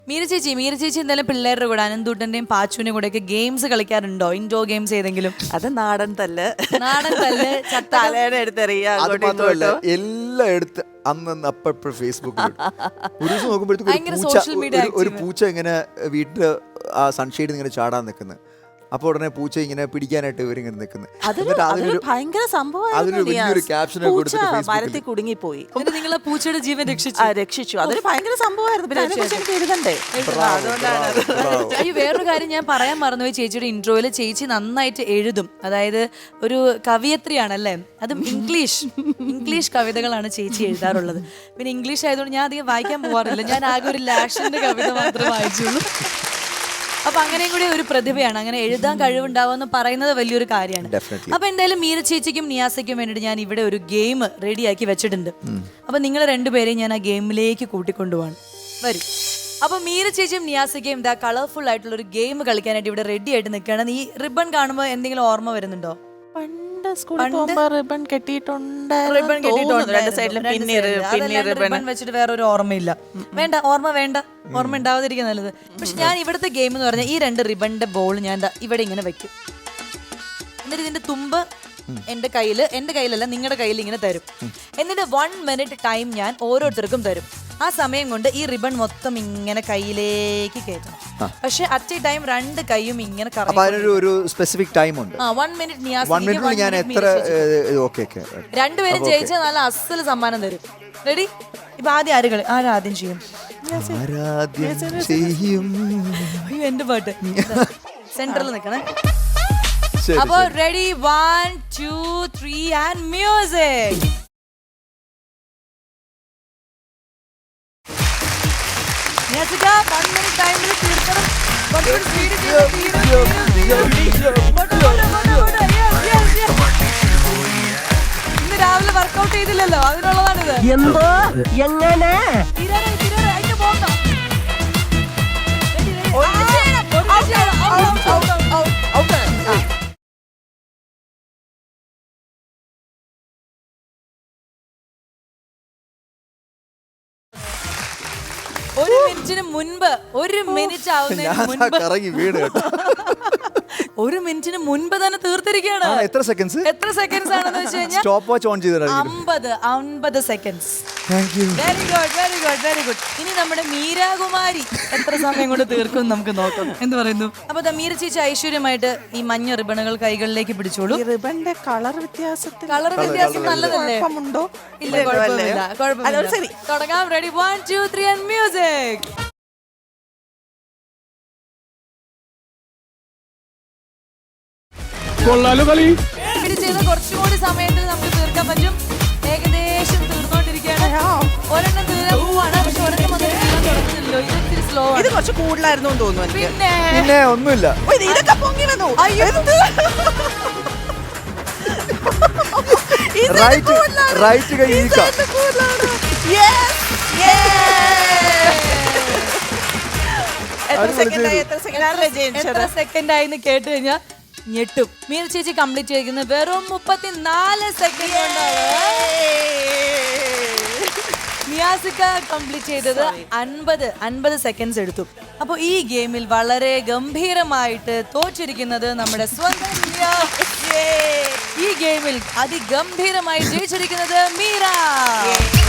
മീര ചേച്ചി എന്തായാലും പിള്ളേരുടെ കൂടെ അനന്തൂട്ടന്റെയും പാച്ചുവിന്റെയും കൂടെ ഒക്കെ ഗെയിംസ് കളിക്കാറുണ്ടോ? ഇൻഡോർ ഗെയിംസ് ഏതെങ്കിലും? അത് നാടൻ തല്ല് തലേടെ എടുത്തെറിയാ. അത് മാത്രമല്ല എല്ലാം എടുത്ത് അന്ന് അപ്പഴ ഫേസ്ബുക്കിൽ ഒരു ദിവസം നോക്കുമ്പോഴത്തേക്ക് ഒരു പൂച്ച ഇങ്ങനെ വീട്ടില് ആ സൺഷെയ്ഡ് ഇങ്ങനെ ചാടാൻ നിൽക്കുന്നത്. അപ്പൊ ഉടനെ പൂച്ച ഇങ്ങനെ പിടിക്കാനായിട്ട് ഇവരിങ്ങനെ നിൽക്കുന്നത്. ഭയങ്കര മരത്തിൽ കുടുങ്ങിപ്പോയി. നിങ്ങളെ പൂച്ചയുടെ ജീവൻ രക്ഷിച്ചു. അതൊരു ഭയങ്കര സംഭവമായിരുന്നു. പിന്നെ അതിനെക്കുറിച്ച് എനിക്ക് എഴുതണ്ടേ. അയ്യോ, വേറൊരു കാര്യം ഞാൻ പറയാൻ മറന്നുപോയി. ചേച്ചിയുടെ ഇൻട്രോയിൽ ചേച്ചി നന്നായിട്ട് എഴുതും. അതായത് ഒരു കവിയത്രിയാണല്ലേ. അതും ഇംഗ്ലീഷ് കവിതകളാണ് ചേച്ചി എഴുതാറുള്ളത്. പിന്നെ ഇംഗ്ലീഷ് ആയതുകൊണ്ട് ഞാൻ അധികം വായിക്കാൻ പോകാറില്ല. ഞാൻ ആകെ ഒരു ലാഷിന്റെ കവിത മാത്രമേ വായിച്ചുള്ളൂ. അപ്പൊ അങ്ങനെയും കൂടി ഒരു പ്രതിഭയാണ്. അങ്ങനെ എഴുതാൻ കഴിവുണ്ടാവുമെന്ന് പറയുന്നത് വലിയൊരു കാര്യമാണ്. അപ്പൊ എന്തായാലും മീര ചേച്ചിക്കും നിയാസയ്ക്കും വേണ്ടിയിട്ട് ഞാൻ ഇവിടെ ഒരു ഗെയിം റെഡിയാക്കി വെച്ചിട്ടുണ്ട്. അപ്പൊ നിങ്ങൾ രണ്ടുപേരെയും ഞാൻ ആ ഗെയിമിലേക്ക് കൂട്ടിക്കൊണ്ടുപോവാണ്. വരും. അപ്പൊ മീര ചേച്ചിയും നിയാസയ്ക്കും ഇതാ കളർഫുൾ ആയിട്ടുള്ള ഒരു ഗെയിം കളിക്കാനായിട്ട് ഇവിടെ റെഡി ആയിട്ട് നിൽക്കുകയാണ്. ഈ റിബൺ കാണുമ്പോൾ എന്തെങ്കിലും ഓർമ്മ വരുന്നുണ്ടോ? റിബൺ കെട്ടിയിട്ടുണ്ട്. റിബൺ വെച്ചിട്ട് വേറൊരു ഓർമ്മയില്ല. വേണ്ട, ഓർമ്മ ഉണ്ടാവാതിരിക്കുക നല്ലത്. പക്ഷെ ഞാൻ ഇവിടുത്തെ ഗെയിം എന്ന് പറഞ്ഞാൽ ഈ 2 റിബണിന്റെ ബോൾ ഞാൻ ഇവിടെ ഇങ്ങനെ വെക്കും. എന്നിട്ട് ഇതിന്റെ തുമ്പ് എന്റെ കയ്യിലല്ല നിങ്ങളുടെ കയ്യിൽ ഇങ്ങനെ തരും. എന്നിട്ട് 1 മിനിറ്റ് ടൈം ഞാൻ ഓരോരുത്തർക്കും തരും. ആ സമയം കൊണ്ട് ഈ റിബൺ മൊത്തം ഇങ്ങനെ കയ്യിലേക്ക് കയറ്റണം. പക്ഷെ അറ്റ് എ ടൈം 2 കൈയും ഇങ്ങനെ ഒരു സ്പെസിഫിക് ടൈം ഉണ്ട്. 1 മിനിറ്റ് രണ്ടുപേരും ജയിച്ചാൽ നല്ല അസല് സമ്മാനം തരും. റെഡി? ഇപ്പൊ ആദ്യം ചെയ്യും. അയ്യോ, എന്റെ പാട്ട് സെന്ററിൽ നിൽക്കണേ. അപ്പൊ റെഡി, 1 2 3 ആൻഡ് മ്യൂസിക്. ഇന്ന് രാവിലെ വർക്കൗട്ട് ചെയ്തില്ലല്ലോ, അതിനുള്ളതാണിത്. എന്തോ എങ്ങനെ ഒരു മിനിറ്റ് ആവുന്നതിന് മുൻപ് തന്നെ തീർത്തിരിക്കുകയാണ്. എത്ര സെക്കൻഡ്സ് ആണെന്ന് വെച്ച് കഴിഞ്ഞാൽ സ്റ്റോപ്പ് വാച്ച് ഓൺ ചെയ്ത് 50 സെക്കൻഡ്സ്. Very good. ഇനി നമ്മുടെ മീരാകുമാരി എത്ര സമയം കൊണ്ട് തീർക്കും നമുക്ക് നോക്കാം. എന്ത് പറയുന്നു? അപ്പൊ മീര ചേച്ചി ഐശ്വര്യമായിട്ട് ഈ മഞ്ഞ റിബണുകൾ കൈകളിലേക്ക് പിടിച്ചോളൂ. റിബണിന്റെ കളർ വ്യത്യാസം നല്ലതല്ലേ? ഇല്ല, കുഴപ്പമില്ല. തുടങ്ങാം. Ready, 1 2 3 and music. ചെയ്ത കുറച്ചുകൂടി സമയത്തിൽ നമുക്ക് തീർക്കാൻ പറ്റും. ഏകദേശം തീർന്നോണ്ടിരിക്കുകയാണ്. ഒരെണ്ണം തീരാൻ പോവാണ്. പക്ഷെ ഒരെണ്ണം തുടങ്ങുന്നില്ലല്ലോ. ഇത് സ്ലോ ആണ്. ഇത് കുറച്ച് കൂടുതലായിരുന്നു തോന്നുന്നു. പിന്നെ ഒന്നുമില്ല. ഇതൊക്കെ പൊങ്ങി വന്നു. റൈറ്റ് കൈ എത്ര സെക്കൻഡ് ആയിന്ന് കേട്ട് കഴിഞ്ഞാൽ ഞെട്ടും. മീര ചേച്ചി കംപ്ലീറ്റ് ചെയ്തിരിക്കുന്നത് വെറും 34 സെക്കൻഡ് കൊണ്ടാണ്. നിയാസിക്ക കംപ്ലീറ്റ് ചെയ്തത് 50 സെക്കൻഡ്സ് എടുത്തു. അപ്പോൾ ഈ ഗെയിമിൽ വളരെ ഗംഭീരമായിട്ട് തോറ്റിരിക്കുന്നത് നമ്മുടെ സ്വന്തം ഈ ഗെയിമിൽ അതിഗംഭീരമായി ജയിച്ചിരിക്കുന്നത് മീര.